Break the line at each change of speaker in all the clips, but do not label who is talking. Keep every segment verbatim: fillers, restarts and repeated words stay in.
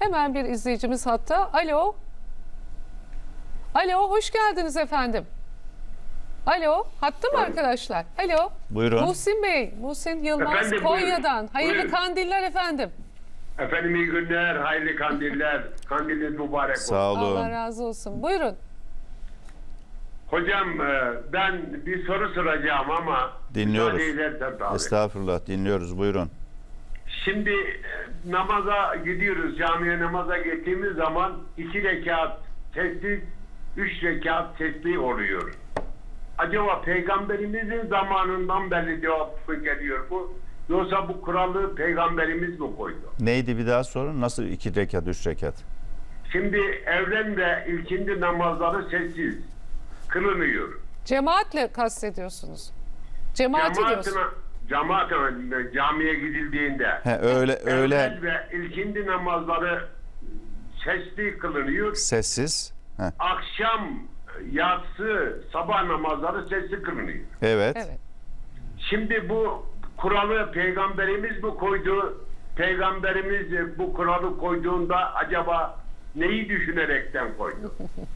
Hemen bir izleyicimiz hatta. Alo. Alo, hoş geldiniz efendim. Alo, hatta mı arkadaşlar? Alo.
Buyurun.
Muhsin Bey, Muhsin Yılmaz
Efendim,
Konya'dan.
buyurun.
Hayırlı
Buyurun.
kandiller efendim.
Efendim iyi günler, hayırlı kandiller. Kandiliniz mübarek olsun.
Sağ olun.
Allah razı olsun. Buyurun.
Hocam e, ben bir soru soracağım ama
Dinliyoruz.
müsaade edersen tabii.
Estağfurullah, dinliyoruz. Buyurun.
Şimdi e, namaza gidiyoruz, camiye namaza gittiğimiz zaman iki rekat sessiz, üç rekat sesli oluyor. Acaba Peygamberimizin zamanından beri cevap mı geliyor bu? Yoksa bu kuralı Peygamberimiz mi koydu?
Neydi bir daha sorun? Nasıl iki rekat, üç rekat?
Şimdi evren ve ilkindi namazları sessiz kılınıyor.
Cemaatle kastediyorsunuz. Cemaati diyorsun.
Cemaatine, cemaatine camiye gidildiğinde
He, öyle öyle
evvel ve ilkindi namazları sesli kılınıyor.
sessiz. He,
Akşam, yatsı, sabah namazları sesli kılınıyor.
evet.
Evet.
Şimdi bu kuralı Peygamberimiz mi koydu? Peygamberimiz bu kuralı koyduğunda acaba neyi düşünerekten koydu?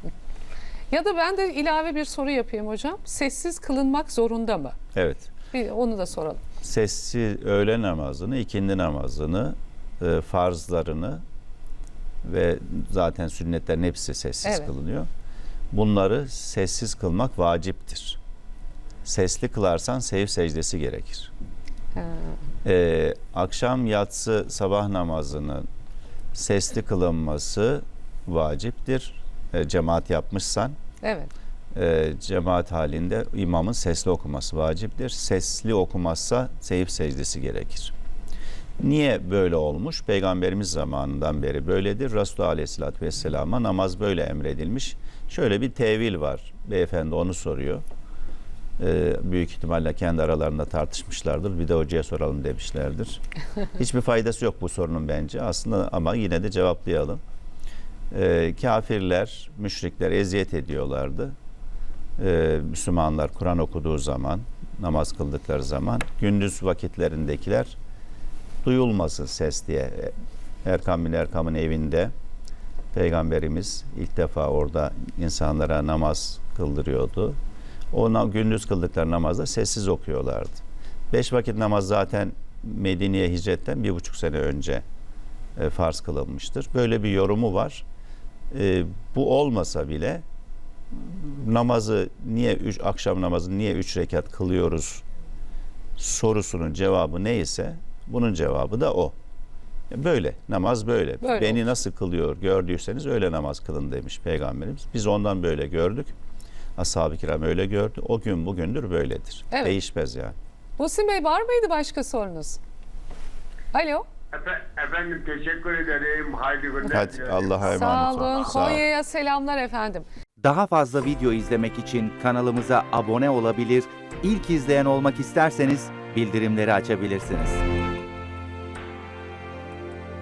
Ya da ben de ilave bir soru yapayım hocam. Sessiz kılınmak zorunda mı?
Evet.
Bir onu da soralım.
Sessiz öğle namazını, ikindi namazını, e, farzlarını ve zaten sünnetlerin hepsi sessiz
Evet.
kılınıyor. Bunları sessiz kılmak vaciptir. Sesli kılarsan sev secdesi gerekir.
Ha.
Ee, akşam yatsı sabah namazının sesli kılınması vaciptir. Ee, cemaat yapmışsan
Evet.
e, cemaat halinde imamın sesli okuması vaciptir. Sesli okumazsa seyif secdesi gerekir. Niye böyle olmuş? Peygamberimiz zamanından beri böyledir. Resulullah Aleyhisselatü Vesselam'a namaz böyle emredilmiş. Şöyle bir tevil var. Beyefendi onu soruyor. Ee, büyük ihtimalle kendi aralarında tartışmışlardır. Bir de hocaya soralım demişlerdir. Hiçbir faydası yok bu sorunun bence. Aslında ama yine de cevaplayalım. Ee, kafirler, müşrikler eziyet ediyorlardı. Ee, Müslümanlar Kur'an okuduğu zaman, namaz kıldıkları zaman gündüz vakitlerindekiler duyulmasın ses diye. Erkam bin Erkam'ın evinde Peygamberimiz ilk defa orada insanlara namaz kıldırıyordu. Ona gündüz kıldıkları namazda sessiz okuyorlardı. Beş vakit namaz zaten Medine'ye hicretten bir buçuk sene önce e, farz kılınmıştır. Böyle bir yorumu var. E, bu olmasa bile namazı niye üç, akşam namazı niye üç rekat kılıyoruz sorusunun cevabı neyse bunun cevabı da o. Böyle namaz böyle.
Böyle
Beni
olmuş.
nasıl kılıyor gördüyseniz öyle namaz kılın demiş Peygamberimiz. Biz ondan böyle gördük. Ashab-ı kiram öyle gördü. O gün bugündür böyledir.
Evet.
Değişmez yani.
Muhsin Bey var mıydı başka sorunuz? Alo.
Efe- efendim teşekkür ederim. Hayırlı günler.
Hadi
dilerim.
Allah'a emanet
Sağ
olun.
olun.
Sağ olun.
Konya'ya selamlar efendim.
Daha fazla video izlemek için kanalımıza abone olabilir, ilk izleyen olmak isterseniz bildirimleri açabilirsiniz.